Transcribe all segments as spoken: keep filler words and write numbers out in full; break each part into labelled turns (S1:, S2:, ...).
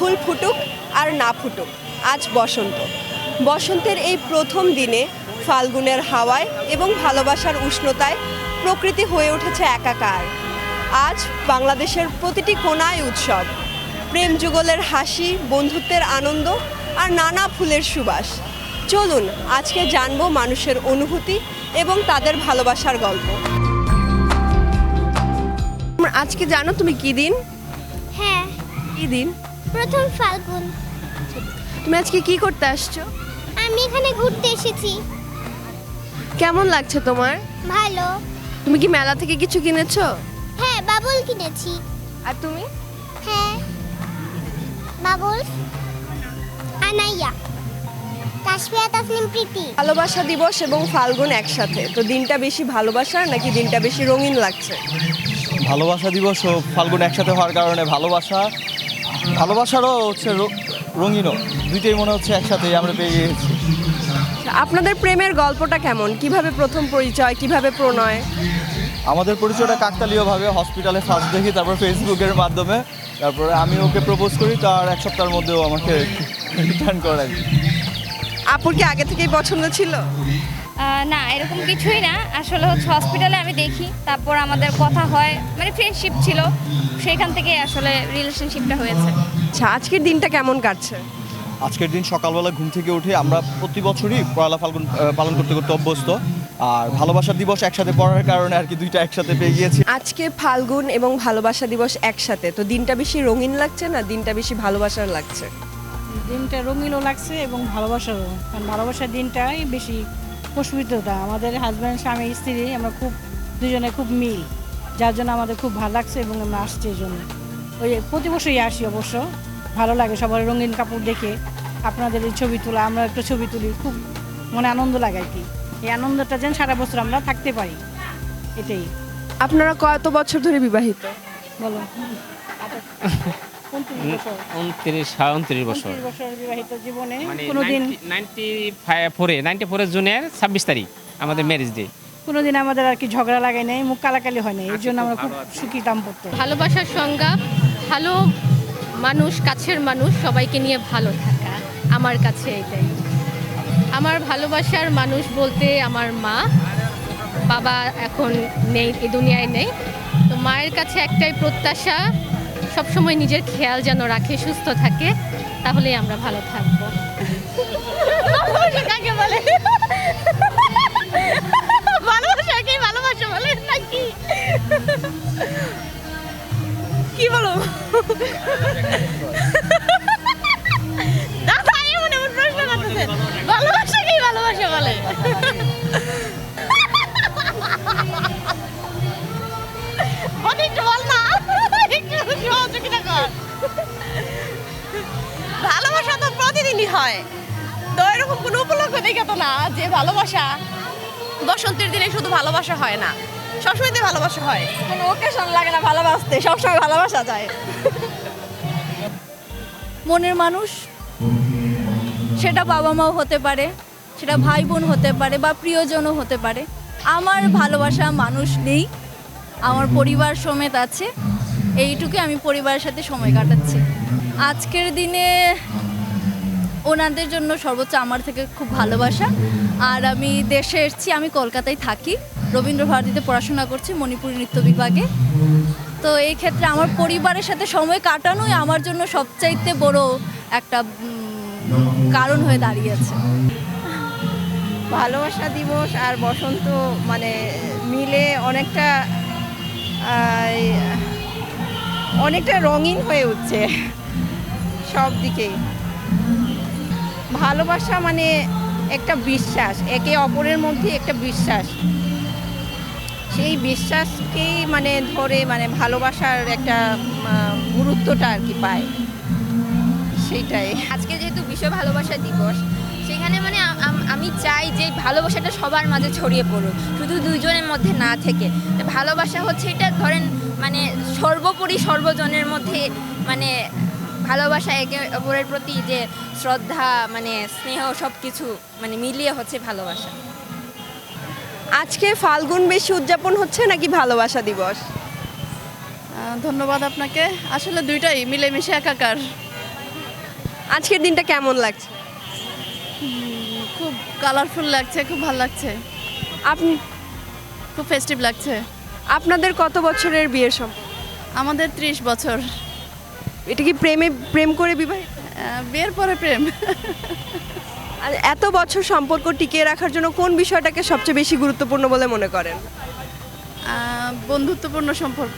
S1: ফুল ফুটুক আর না ফুটুক, আজ বসন্ত। বসন্তের এই প্রথম দিনে ফাল্গুনের হাওয়ায় এবং ভালোবাসার উষ্ণতায় প্রকৃতি হয়ে উঠেছে একাকার। আজ বাংলাদেশের প্রতিটি কোণায় উৎসব, প্রেম যুগলের হাসি, বন্ধুত্বের আনন্দ আর নানা ফুলের সুবাস। চলুন আজকে জানবো মানুষের অনুভূতি এবং তাদের ভালোবাসার গল্প। আজকে জানো তুমি কি দিন?
S2: হ্যাঁ,
S1: কি দিন?
S2: প্রথম ফাল্গুন।
S1: তুমি আজকে কি করতে আসছো?
S2: আমি এখানে ঘুরতে এসেছি।
S1: কেমন লাগছে তোমার?
S2: ভালো।
S1: তুমি কি মেলা থেকে কিছু কিনেছো?
S2: হ্যাঁ, বাবুল কিনেছি।
S1: আর তুমি?
S2: হ্যাঁ, বাবুল, আনাইয়া, তাসফিয়া, তাসনিম, প্রীতি।
S1: ভালোবাসা দিবস এবং ফাল্গুন একসাথে, তো দিনটা বেশি ভালোবাসার নাকি দিনটা বেশি রঙিন লাগছে?
S3: ভালোবাসা দিবস ও ফাল্গুন একসাথে হওয়ার কারণে ভালোবাসা ভালোবাসারও হচ্ছে র- রঙিনও, দুইটাই মনে হচ্ছে একসাথে আমরা পেয়ে গিয়েছি।
S1: আপনাদের প্রেমের গল্পটা কেমন? কিভাবে প্রথম পরিচয়, কিভাবে প্রণয়?
S3: আমাদের পরিচয়টা কাকতালীয়ভাবে হসপিটালে ফার্স্ট দেখি, তারপর ফেসবুকের মাধ্যমে, তারপরে আমি ওকে প্রপোজ করি, তার এক সপ্তাহের মধ্যেও আমাকে রিটার্ন করে।
S1: আপুর কি আগে থেকেই পছন্দ ছিল?
S4: আহ, না, এরকম কিছুই না। আসলে হচ্ছে হসপিটালে আমি দেখি, তারপর আমাদের কথা হয়, মানে ফ্রেন্ডশিপ ছিল, সেখান থেকে আসলে রিলেশনশিপটা হয়েছে।
S1: আচ্ছা, আজকের দিনটা কেমন কাটছে?
S3: আজকের দিন সকালবেলা ঘুম থেকে উঠে আমরা প্রতি বছরই পয়লা ফাল্গুন আহ, পালন করতে করতে অভ্যস্ত, আর ভালোবাসা দিবস একসাথে পড়ার কারণে আর কি দুইটা একসাথে পেয়ে গিয়েছি।
S1: আজকে ফাল্গুন এবং ভালোবাসা দিবস একসাথে, তো দিনটা বেশি রঙিন লাগছে না দিনটা বেশি ভালোবাসার লাগছে?
S5: দিনটা রঙিনও লাগছে এবং ভালোবাসারও, কারণ ভালোবাসার দিনটাই বেশি প্রস্ফুটিততা। আমাদের হাজব্যান্ড, স্বামী, স্ত্রী আমরা খুব দুজনে খুব মিল, যার জন্য আমাদের খুব ভালো লাগছে এবং আমরা আসছি এই জন্য। ওই প্রতি বছরই আসি অবশ্য, ভালো লাগে সবার রঙিন কাপড় দেখে, আপনাদের এই ছবি তোলা, আমরা একটা ছবি তুলি, খুব মনে আনন্দ লাগে আর কি। এই আনন্দটা যেন সারা বছর আমরা থাকতে পারি, এটাই।
S1: আপনারা কত বছর ধরে বিবাহিত?
S5: বলো। উনত্রিশ বছর
S6: উনত্রিশ হ্যাঁ উনত্রিশ বছর
S5: উনত্রিশ বছর বিবাহিত জীবনে
S6: মানে
S5: কোনোদিন
S6: নাইনটি ফোরে নাইনটি ফোরের জুনের ছাব্বিশ তারিখ আমাদের ম্যারেজ ডে।
S5: কোনোদিন আমাদের আর কি ঝগড়া লাগে নাই, মুখ কালাকালি হয় নাই, এর জন্য আমরা খুব সুখী দাম্পত্য।
S7: ভালোবাসার সংজ্ঞা ভালো মানুষ, কাছের মানুষ সবাইকে নিয়ে ভালো থাকা, আমার কাছে এটাই। আমার ভালোবাসার মানুষ বলতে আমার মা, বাবা এখন নেই, এই দুনিয়ায় নেই। তো মায়ের কাছে একটাই প্রত্যাশা, সবসময় নিজের খেয়াল যেন রাখে, সুস্থ থাকে, তাহলেই আমরা ভালো থাকবো। কাকে বলে? ভালোবাসা কি ভালোবাসা বলে নাকি? কি বলো? দাদা এমন এমন প্রশ্ন করতেছেন, ভালোবাসা কি ভালোবাসা বলে? অনেক বল না, একটু সহযোগিতা কর।
S8: ভালোবাসা তো প্রতিদিনই হয়, তো এরকম কোনো উপলক্ষ দেখে তো না যে ভালোবাসা বসন্তের দিনে শুধু ভালোবাসা হয় না, সবসময় তো ভালোবাসা হয়।
S1: কোনো ওকেশন লাগে না ভালোবাসতে, সবসময় ভালোবাসা যায়।
S7: মনের মানুষ, সেটা বাবা মাও হতে পারে, সেটা ভাই বোন হতে পারে, বা প্রিয়জনও হতে পারে। আমার ভালোবাসা মানুষ নেই, আমার পরিবার সমেত আছে, এইটুকু আমি পরিবারের সাথে সময় কাটাচ্ছি। আজকের দিনে ওনাদের জন্য সর্বোচ্চ আমার থেকে খুব ভালোবাসা। আর আমি দেশে এসেছি, আমি কলকাতায় থাকি, রবীন্দ্র ভারতীতে পড়াশোনা করছি মণিপুরি নৃত্য বিভাগে। তো এই ক্ষেত্রে আমার পরিবারের সাথে সময় কাটানোই আমার জন্য সবচাইতে বড় একটা উম, কারণ হয়ে দাঁড়িয়েছে।
S8: ভালোবাসা দিবস আর বসন্ত মানে মিলে অনেকটা আহ, অনেকটা রঙিন হয়ে উঠছে সব দিকেই। ভালোবাসা মানে একটা বিশ্বাস, একে অপরের মধ্যে একটা বিশ্বাস, সেই বিশ্বাসকেই মানে ধরে মানে ভালোবাসার একটা আহ, গুরুত্বটা আর কি পায়, সেইটাই।
S9: আজকে যেহেতু বিশ্ব ভালোবাসা দিবস, সেখানে মানে আম- আম- আমি চাই যে ভালোবাসাটা সবার মাঝে ছড়িয়ে পড়ুক, শুধু দুইজনের মধ্যে না থেকে। তো ভালোবাসা হচ্ছে এটা ধরেন মানে সর্বোপরি সর্বজনের মধ্যে, মানে ভালোবাসা একে অপরের প্রতি যে শ্রদ্ধা, মানে স্নেহ, সব কিছু মানে মিলিয়ে হচ্ছে ভালোবাসা।
S1: আজকে ফাল্গুন বেশি উদযাপন হচ্ছে নাকি ভালোবাসা দিবস?
S7: ধন্যবাদ আপনাকে। আসলে দুইটাই মিলেমিশে একাকার।
S1: আজকের দিনটা কেমন লাগছে?
S7: খুব কালারফুল লাগছে, খুব ভালো লাগছে,
S1: আপনি
S7: খুব ফেস্টিভ লাগছে।
S1: আপনাদের কত বছরের বিয়ের সম্পর্ক?
S7: আমাদের ত্রিশ বছর।
S1: এটা কি প্রেমে প্রেম করে বিবাহিত?
S7: আহ, বিয়ের পরে প্রেম।
S1: আর এত বছর সম্পর্ক টিকিয়ে রাখার জন্য কোন বিষয়টাকে সবচেয়ে বেশি গুরুত্বপূর্ণ বলে মনে করেন?
S7: আহ, বন্ধুত্বপূর্ণ সম্পর্ক।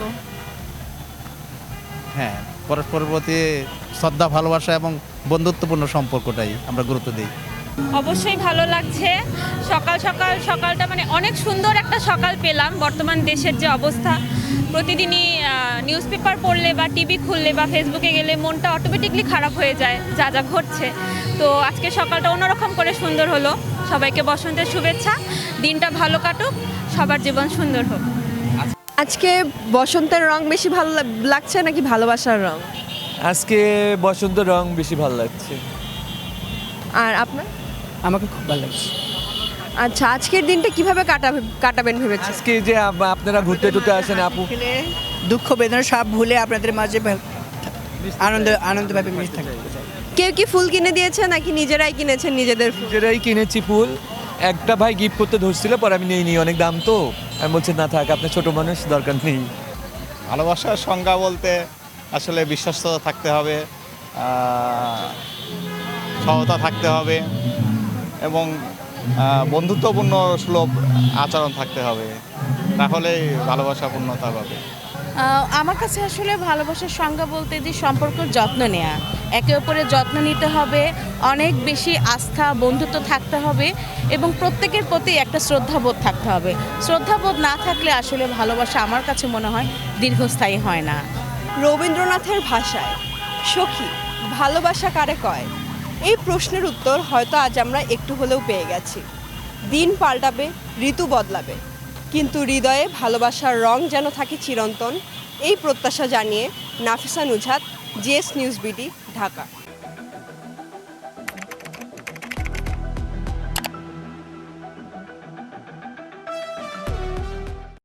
S10: হ্যাঁ, পরস্পরের প্রতি শ্রদ্ধা, ভালোবাসা এবং বন্ধুত্বপূর্ণ সম্পর্কটাই আমরা গুরুত্ব দিই।
S4: অবশ্যই ভালো লাগছে। সকাল সকাল সকালটা মানে অনেক সুন্দর একটা সকাল পেলাম। বর্তমান দেশের যে অবস্থা, প্রতিদিনই নিউজ পেপার পড়লে বা টিভি খুললে বা ফেসবুকে গেলে মনটা অটোমেটিকলি খারাপ হয়ে যায় যা যা ঘটছে। তো আজকে সকালটা অন্যরকম করে সুন্দর হলো। সবাইকে বসন্তের শুভেচ্ছা, দিনটা ভালো কাটুক, সবার জীবন সুন্দর হোক।
S1: আজকে বসন্তের রং বেশি ভালো লাগ- লাগছে নাকি ভালোবাসার রং?
S11: আজকে বসন্ত রং বেশি ভালো লাগছে।
S1: আর আপনার?
S5: আমাকে খুব ভালো লাগছে।
S1: আচ্ছা, আজকের দিনটা কিভাবে কাটাবে কাটাবেন ভেবেছেন?
S11: আজকে যে আপ- আপনারা ঘুরতে টুরতে আসেন আপু,
S5: দুঃখ বেদনা সব ভুলে আপনাদের মাঝে আনন্দ আনন্দভাবে মিশে থাকতে চাই।
S1: কেউ কি ফুল কিনে দিয়েছে নাকি নিজেরাই কিনেছেন নিজেদের ফুল?
S11: নিজেরাই কিনেছি ফুল। একটা ভাই গিফট করতে ধরছিল, পরে আমি নিয়ে নিই, অনেক দাম তো। আমি বলছি না থাক, আপনার ছোট মানুষ, দরকার নেই।
S10: ভালোবাসার সংজ্ঞা বলতে আসলে বিশ্বস্ততা থাকতে হবে, আহ, সহতা থাকতে হবে এবং আহ, বন্ধুত্বপূর্ণ সুলভ আচরণ থাকতে হবে, তাহলেই ভালোবাসা পূর্ণতা পাবে।
S5: আহ, আমার কাছে আসলে ভালোবাসার সংজ্ঞা বলতে যে সম্পর্কের যত্ন নেওয়া, একে অপরের যত্ন নিতে হবে, অনেক বেশি আস্থা বন্ধুত্ব থাকতে হবে এবং প্রত্যেকের প্রতি একটা শ্রদ্ধাবোধ থাকতে হবে। শ্রদ্ধাবোধ না থাকলে আসলে ভালোবাসা আমার কাছে মনে হয় দীর্ঘস্থায়ী হয় না।
S1: রবীন্দ্রনাথের ভাষায় সখী ভালোবাসা কারে কয়, এই প্রশ্নের উত্তর হয়তো আজ আমরা একটু হলেও পেয়ে গেছি। দিন পাল্টাবে, ঋতু বদলাবে, কিন্তু হৃদয়ে ভালোবাসার রং যেন থাকে চিরন্তন, এই প্রত্যাশা জানিয়ে Nafisa Nuzhat, GS news BD, Dhaka.